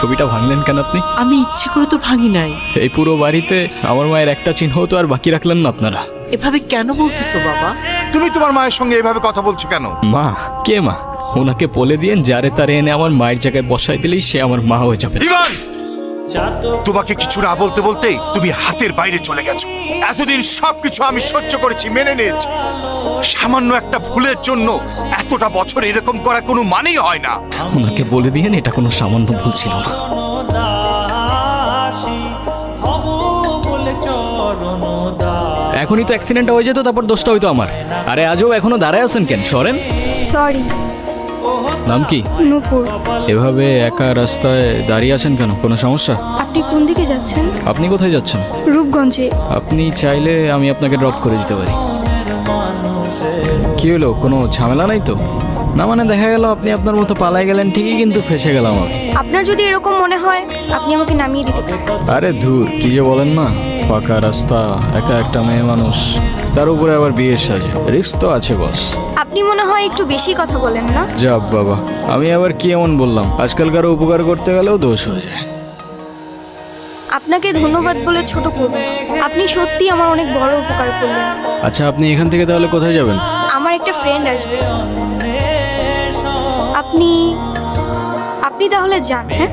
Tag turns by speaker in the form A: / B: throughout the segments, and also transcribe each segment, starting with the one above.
A: ছবিটা ভাঙলেন কেন আপনি?
B: আমি ইচ্ছে করে তো ভাঙি নাই।
A: এই পুরো বাড়িতে আমার মায়ের একটা চিহ্ন তো আর বাকি রাখলেন না আপনারা।
B: এভাবে কেন বলতেছো বাবা?
C: তুমি তোমার মায়ের সঙ্গে এভাবে কথা বলছো কেন?
A: মা? কে মা? ওনাকে বলে দিয়েন যারে তারে এনে আমার মায়ের জায়গায় বসাই দিলেই সে আমার মা হয়ে যাবে।
C: ইভান, তোমাকে কিছু না বলতে বলতেই তুমি হাতের বাইরে চলে গেছো। এতদিন সবকিছু আমি সহ্য করেছি, মেনে নিয়েছি। সামান্য একটা ভুলের জন্য এতটা বছর এরকম করা কোনো মানেই হয় না।
A: ওনাকে বলে দিয়েন এটা কোনো সামান্য ভুল ছিল না। এখনই তো অ্যাক্সিডেন্টটা হয়ে যেত, তারপর দোষটা হইতো আমার। আরে আজও এখনো দাঁড়ায় আছেন কেন? সরেন।
D: সরি।
A: নাম কি?
D: নূপুর।
A: এভাবে একা রাস্তায় দাঁড়িয়ে আছেন কেন? কোনো সমস্যা?
D: আপনি কোন দিকে যাচ্ছেন?
A: আপনি কোথায় যাচ্ছেন?
D: রূপগঞ্জে।
A: আপনি চাইলে আমি আপনাকে ড্রপ করে দিতে পারি। কি হলো, কোনো ঝামেলা নাই তো? না মানে দেখা গেল আপনি আপনার মতো পালাই গেলেন ঠিকই, কিন্তু ফেসে গেলাম আমি।
D: আপনার যদি এরকম মনে হয় আপনি আমাকে নামিয়ে দিতে পারেন।
A: আরে ধুর, কি যে বলেন না। ফাঁকা রাস্তা, একা একটা মেয়ে মানুষ, তার উপরে আবার বিয়ের সাজে, রিস্ক তো আছে বস।
D: আপনি মনে হয় একটু বেশি কথা বলেন না?
A: যাব বাবা, আমি আবার কি এমন বললাম? আজকালকার উপকার করতে গেলেও দোষ হয়ে যায়।
D: আপনাকে ধন্যবাদ বলে ছোট করব না। আপনি সত্যি আমার অনেক বড় উপকার করলেন।
A: আচ্ছা, আপনি এখান থেকে তাহলে কোথায় যাবেন?
D: আমার একটা ফ্রেন্ড আসবে। আপনি আপনি তাহলে যান। হ্যাঁ,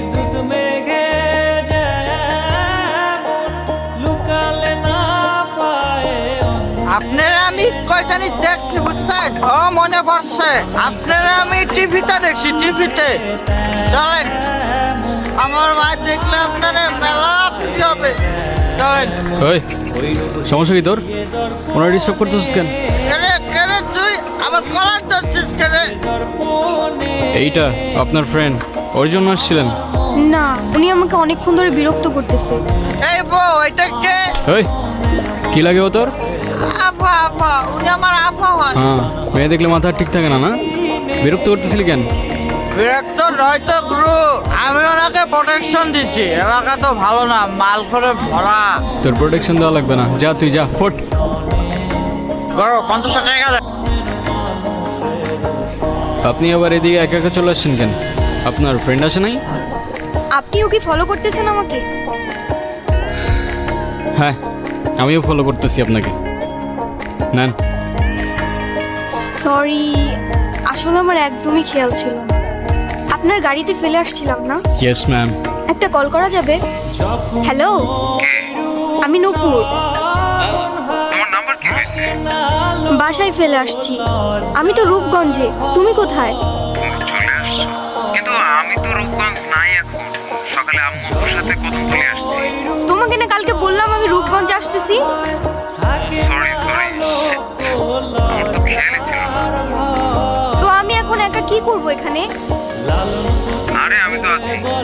E: আপনারা আমি কয়টানি দেখছি বুঝছেন? ও মনে পড়ছে, আপনারা আমি টিভিতে দেখছি, টিভিতে। চলেন, আমার মা দেখলে আপনারা মেলা খুশি হবে। চলেন।
A: ওই, সমস্যা কি তোর? ওনার ডিস্টার্ব করতেছিস কেন?
E: কেরে কেরে তুই আমার কলার ধরছিস কেরে?
A: এইটা আপনার ফ্রেন্ড, ওর জন্য আসছিলেন?
D: না, উনি আমাকে অনেকক্ষণ ধরে বিরক্ত করতেছে।
E: এই বউ, এটা কে?
A: ওই, কি লাগে ও তোর?
E: আফা, আফা, উনি আমার আফা হয়।
A: হ্যাঁ, মেয়ে দেখলে মাথা ঠিক থাকে না, না? বিরক্ত করতেছিলি কেন?
E: বিরক্ত নয় তো গুরু, আমি ওনাকে প্রোটেকশন দিচ্ছি। এলাকা তো ভালো না, মাল করে ভরা।
A: তোর প্রোটেকশন দেওয়া লাগবে না, যা তুই যা, ফোট।
E: করো 50 টাকা দেন।
A: আপনি আবার এদিকে একা একা চলে আসছেন কেন? আপনার ফ্রেন্ড আসে নাই?
D: আপনিও কি ফলো করতেছেন আমাকে?
A: হ্যাঁ, আমিও ফলো করতেছি আপনাকে। নেন।
D: সরি, আসলে আমার একদমই খেয়াল ছিল না। আপনার গাড়িতে ফেলে আসছিলাম না?
A: Yes ma'am.
D: একটা কল করা যাবে? হ্যালো, আমি নূপুর। বাসায় ফেলে আসছি। আমি তো রূপগঞ্জে। তুমি কোথায়?
F: চলে আসছো? কিন্তু আমি তো রূপগঞ্জ নাই এখন। সকালে আম্মুর সাথে কথা বলে আসছি।
D: তোমাকে না কালকে বললাম আমি রূপগঞ্জে আসতেছি।
F: সরি সরি, আমার তো খেয়ালই ছিল না।
D: তো আমি এখন একা কি করব এখানে?
F: আরে আমি তো আছি,